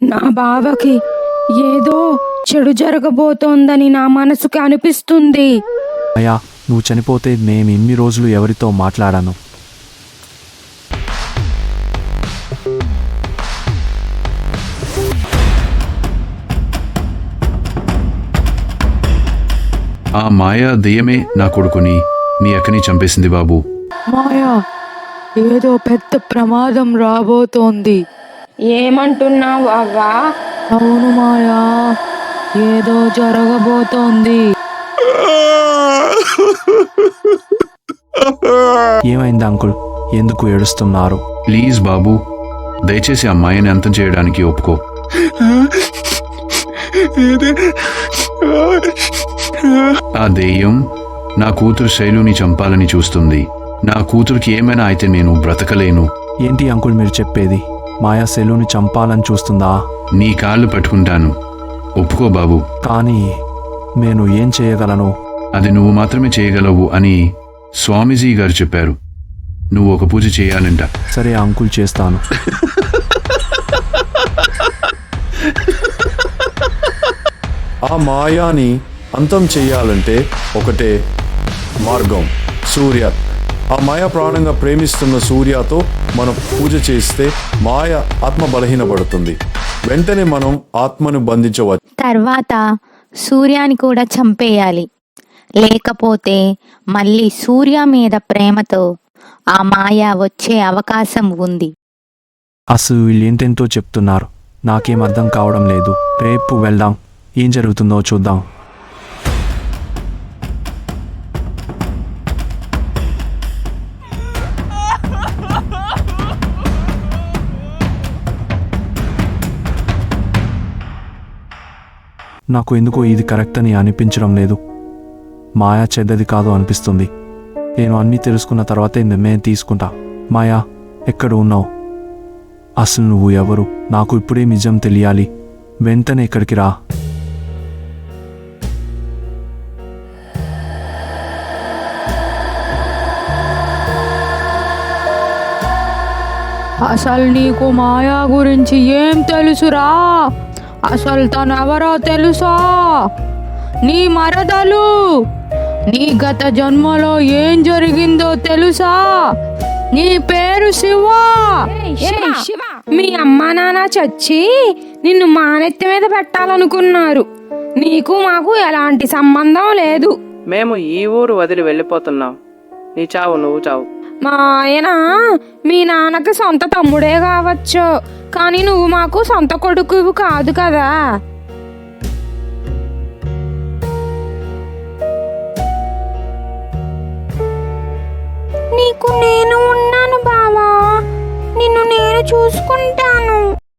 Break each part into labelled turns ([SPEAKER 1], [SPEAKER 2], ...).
[SPEAKER 1] నా బావకి ఏదో చెడు జరగబోతోందని నా మనసుకి అనిపిస్తుంది.
[SPEAKER 2] అయ్యా, నువ్వు చనిపోతే నేను ఇన్ని రోజులు ఎవరితో మాట్లాడాను?
[SPEAKER 3] ఆ మాయా దెయ్యమే నా కొడుకుని నీ అక్కని చంపేసింది బాబు.
[SPEAKER 4] మాయా, ఏదో పెద్ద ప్రమాదం రాబోతోంది.
[SPEAKER 1] ఏమంటున్నావు అవ్వా?
[SPEAKER 4] అవును మాయా, ఏదో జరగబోతోంది.
[SPEAKER 2] ఏమైంది అంకుల్? ఎందుకు ఏడుస్తున్నారు?
[SPEAKER 3] ప్లీజ్ బాబు, దయచేసి ఆ మాయని అంతం చేయడానికి ఒప్పుకో. ఆ దెయ్యం నా కూతురు శైలుని చంపాలని చూస్తుంది. నా కూతురికి ఏమైనా అయితే నేను బ్రతకలేను.
[SPEAKER 2] ఏంటి అంకుల్ మీరు చెప్పేది? మాయా సెలుని చంపాలని చూస్తుందా?
[SPEAKER 3] నీ కాళ్ళు పట్టుకుంటాను, ఒప్పుకో బాబు.
[SPEAKER 2] కానీ నేను ఏం చేయగలను?
[SPEAKER 3] అది నువ్వు మాత్రమే చేయగలవు అని స్వామీజీ గారు చెప్పారు. నువ్వు ఒక పూజ చేయాలంట.
[SPEAKER 2] సరే అంకుల్, చేస్తాను.
[SPEAKER 5] ఆ మాయాని అంతం చెయ్యాలంటే ఒకటే మార్గం, సూర్య. ఆ మాయ ప్రాణంగా ప్రేమిస్తున్న సూర్యతో మనం పూజ చేస్తే మాయ ఆత్మ బలహీనపడుతుంది. వెంటనే మనం ఆత్మను బంధించవచ్చు.
[SPEAKER 6] తర్వాత సూర్యాని కూడా చంపేయాలి. లేకపోతే మళ్ళీ సూర్య మీద ప్రేమతో ఆ మాయ వచ్చే అవకాశం ఉంది.
[SPEAKER 2] అసలు వీళ్ళు ఏంటెంతో చెప్తున్నారు, నాకేం అర్థం కావడం లేదు. రేపు వెళ్దాం, ఏం జరుగుతుందో చూద్దాం. నాకు ఎందుకో ఇది కరెక్ట్ అని అనిపించడం లేదు. మాయా చెడ్డది కాదు అనిపిస్తుంది. నేను అన్నీ తెలుసుకున్న తర్వాతే నిర్ణయం తీసుకుంటా. మాయా, ఎక్కడ ఉన్నావు? అసలు నువ్వు ఎవరు? నాకు ఇప్పుడే నిజం తెలియాలి. వెంటనే ఇక్కడికి రా.
[SPEAKER 4] అసలు నీకు మాయా గురించి ఏం తెలుసురా? అసలు తను ఎవరో తెలుసా? నీ మరదలు. నీ గత జన్మలో ఏం జరిగిందో తెలుసా? నీ పేరు శివ.
[SPEAKER 1] మీ అమ్మా నాన్న చచ్చి నిన్ను మానెత్తి మీద పెట్టాలనుకున్నారు. నీకు మాకు ఎలాంటి సంబంధం లేదు.
[SPEAKER 7] మేము ఈ ఊరు వదిలి వెళ్ళిపోతున్నాం. నీ చావు నువ్వు చావు.
[SPEAKER 1] మా ఆయన మీ నాన్నకి సొంత తమ్ముడే కావచ్చు, కానీ నువ్వు మాకు సొంత కొడుకు కాదు కదా. నీకు నేను ఉన్నాను బావా, నిన్ను నేను చూసుకుంటాను.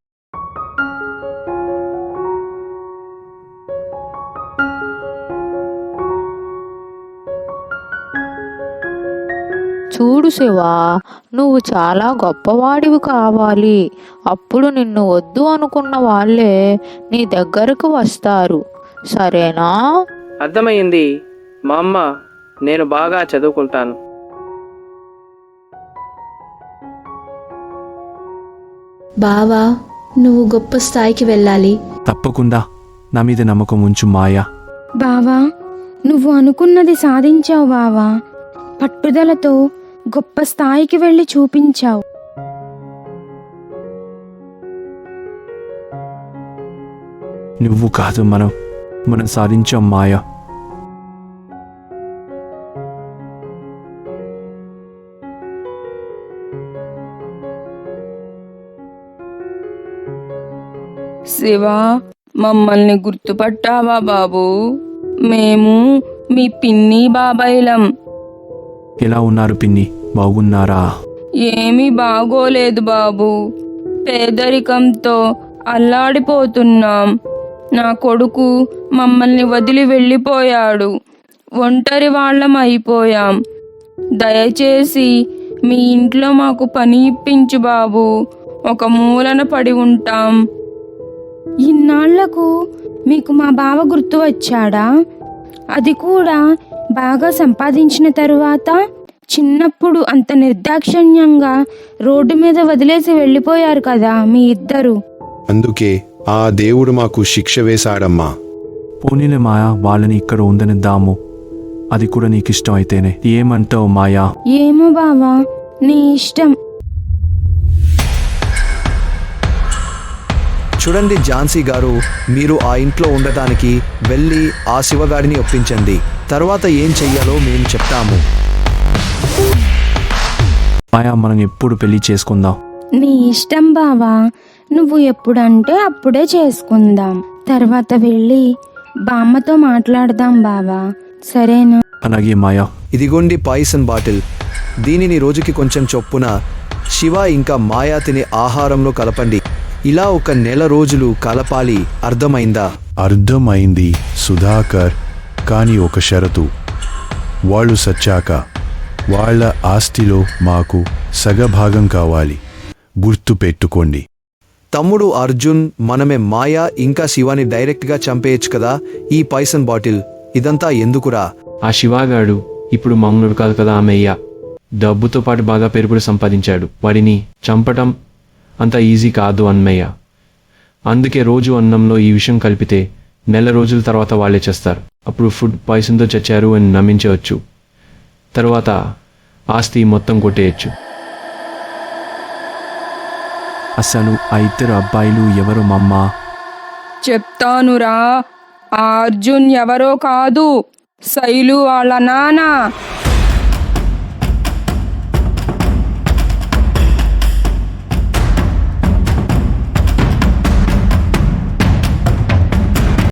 [SPEAKER 4] చూడు శివా, నువ్వు చాలా గొప్పవాడివి కావాలి. అప్పుడు నిన్ను వద్దు అనుకున్న వాళ్ళే నీ దగ్గరకు వస్తారు, సరేనా?
[SPEAKER 7] అర్థమైంది మా అమ్మ. నేను బాగా చదువుకుంటాను.
[SPEAKER 8] బావా, నువ్వు గొప్ప స్థాయికి వెళ్ళాలి.
[SPEAKER 2] తప్పకుండా, నా మీద నమ్మకం ఉంచు మాయా.
[SPEAKER 1] బావా, నువ్వు అనుకున్నది సాధించావు బావా. పట్టుదలతో గొప్ప స్థాయికి వెళ్ళి చూపించావు.
[SPEAKER 2] నువ్వు కాదు, మనం సాధించాం మాయా.
[SPEAKER 1] శివా, మమ్మల్ని గుర్తుపట్టావా బాబు? మేము మీ పిన్ని బాబాయిలం.
[SPEAKER 2] ఎలా ఉన్నారు పిన్ని? బాగున్నారా?
[SPEAKER 1] ఏమీ బాగోలేదు బాబు. పేదరికంతో అల్లాడిపోతున్నాం. నా కొడుకు మమ్మల్ని వదిలి వెళ్ళిపోయాడు. ఒంటరి వాళ్ళం అయిపోయాం. దయచేసి మీ ఇంట్లో మాకు పని ఇప్పించు బాబు. ఒక మూలన పడి ఉంటాం. ఇన్నాళ్లకు మీకు మా బావ గుర్తు వచ్చాడా? అది కూడా బాగా సంపాదించిన తరువాత. చిన్నప్పుడు అంత నిర్దాక్షిణ్యంగా రోడ్డు మీద వదిలేసి వెళ్ళిపోయారు కదా మీ ఇద్దరు.
[SPEAKER 9] అందుకే ఆ దేవుడు మాకు శిక్ష వేశాడమ్మా.
[SPEAKER 2] పోనీలే మాయా, వాళ్ళని ఇక్కడ ఉందనిద్దాము. అది కూడా నీకిష్టం అయితేనే. ఏమంటావు మాయా?
[SPEAKER 1] ఏమో బావా, నీ ఇష్టం.
[SPEAKER 10] చూడండి ఝాన్సీ గారు, మీరు ఆ ఇంట్లో ఉండటానికి వెళ్ళి ఆ శివగాడిని ఒప్పించండి. తర్వాత ఏం చెయ్యాలో మేము చెప్తాము.
[SPEAKER 2] మాయా, మనం ఎప్పుడు పెళ్లి చేసుకుందాం?
[SPEAKER 1] నీ ఇష్టం బావా, నువ్వు ఎప్పుడంటే అప్పుడే చేసుకుందాం. తర్వాత వెళ్ళి బామ్మతో మాట్లాడదాం బావా, సరేనా?
[SPEAKER 2] అలాగే మాయా.
[SPEAKER 10] ఇదిగోండి పాయిసన్ బాటిల్. దీనిని రోజుకి కొంచెం చొప్పున శివ ఇంకా మాయా తినే ఆహారంలో కలపండి. ఇలా 1 నెల రోజులు కలపాలి. అర్థమైందా?
[SPEAKER 9] అర్థమైంది సుధాకర్, కానీ ఒక షరతు. వాళ్ళు సచ్చాక వాళ్ళ ఆస్తిలో మాకు సగభాగం కావాలి. గుర్తు పెట్టుకోండి.
[SPEAKER 10] తమ్ముడు అర్జున్, మనమే మాయా ఇంకా శివాని డైరెక్ట్గా చంపేయచ్చు కదా. ఈ పాయిసన్ బాటిల్ ఇదంతా ఎందుకురా?
[SPEAKER 11] ఆ శివాగాడు ఇప్పుడు మామూలు కాదు కదా అమ్మయ్య. డబ్బుతో పాటు బాగా పేరు కూడా సంపాదించాడు. వాడిని చంపటం అంత ఈజీ కాదు అన్నయ్య. అందుకే రోజు అన్నంలో ఈ విషయం కలిపితే నెల రోజుల తర్వాత వాళ్ళే చేస్తారు. అప్పుడు ఫుడ్ పాయిసన్తో చచ్చారు అని నమ్మించవచ్చు. తర్వాత ఆస్తి మొత్తం కొట్టేయచ్చు.
[SPEAKER 2] అసలు ఆ 2 అబ్బాయిలు ఎవరు మమ్మా?
[SPEAKER 1] చెప్తానురా, ఆ అర్జున్ ఎవరో కాదు, శైలు వాళ్ళ నాన్న.